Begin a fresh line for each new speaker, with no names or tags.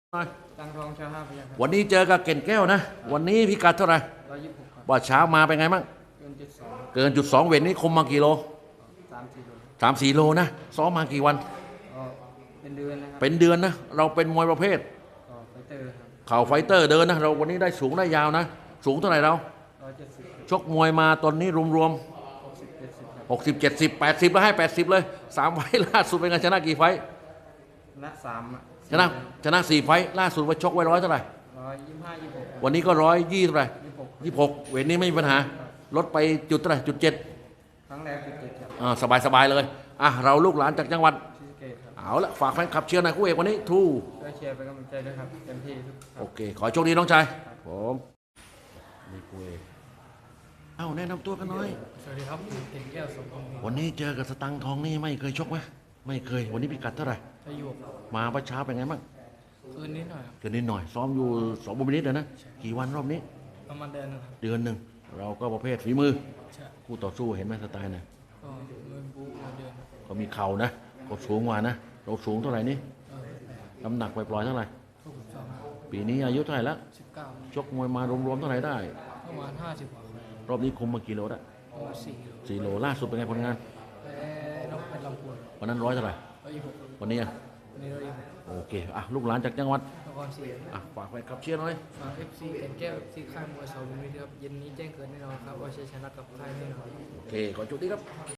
ตังทองชาห้าพยัคฆ์ครับ
วันนี้เจอกับเก่นแก้วนะวันนี้พิกัดเท่าไหร่
126ครับ
ว่าเช้ามาเป็นไงบ้าง
เกิน 72
เกินจุด2เวทนี้คุมมากี่โล
3-4โล
3-4โลนะซ้อมมากี่วัน
ก็เป็นเดือนนะครับ
เป็นเดือนนะเราเป็นมวยประเภท
ก็ไฟเตอร์ครับ
เข่าไฟเตอร์เดินนะเราวันนี้ได้สูงได้ยาวนะสูงเท่าไหร่เรา
170
ชกมวยมาตอนนี้รวม
60 70ครับ
ๆ60 70 80แล้วให้80เลย3ไฟล์ล่าสุดเป็นไงชนะกี่ไฟล์
ชนะ3อะ
ชนะ4ไฟล์ล่าสุดว่าชกไว้100เท่าไหร่
125 26
วันนี้ก็120เท่าไหร่26เวทนี้ไม่มีปัญหาลดไปจุดเท่าไหร่จุด7
ครั้งแรก17ครับ
สบายเลยเราลูกหลานจากจังหวัด
ศรีสะเกษครับ
เอาละฝากแฟนคลับเชียร์หน่อยคู่เอกวันนี้ทู่
ช่วยเชียร์เป็นกำลังใจด้วยครับเต็มที่ทุกครับ
โอเคขอโชคดีน้องชายผมนี่คู่เอกแนะนำตัวกันหน่อย
สวัสดีครับเก่งแก้วสมพงษ์
วันนี้เจอกับสตังค์ทองนี่ไม่เคยชกไหมไม่เคยวันนี้พิกัดเท่าไหร่
อายุ
มาประช้าเป็นไงบ้าง
คืนนิดหน่อยครับ
เกินนิดหน่อยซ้อมอยู่2 บุญนิดเลยนะกี่วันรอบนี้
ประมาณเดือนนึงครับ
เดือนหนึ่งเราก็ประเภทฝีมือ
ใช่
คู่ต่อสู้เห็นไหมสไตล์เนี่ย
ก็เงินบูเดือน
ก็มีเข่านะก็สูงกว่านะเราสูงเท่าไหร่นี่น้ำหนักปล่อยๆเท่าไหร่
62
ปีนี้อายุเท่าไหร่แล้ว
19
ชกมวยมารวมๆเท่าไหร่ได้
ประมาณ50กว่าร
อบนี้คุมมากี่โลได้
ประมาณ
4 โลล่าสุดเป็นไงผลงาน
น้องเป็นลำพูน
วันนั้น100เท่าไหร่
126
วันนี้
วันนี้126
โอเคลูกหลานจากจังหวัด
นครศรี
ฝากแฟนคลับเชียร์หน่อย
ฝาก FC แก่นแก้ว FC ค่ายมวยเสาลุมพินีครับเย็นนี้แจ้งเกิดแน่นอนครับว่าชัยชนะกับค่ายแน่นอน
โอเคขอจุดนี้ครับ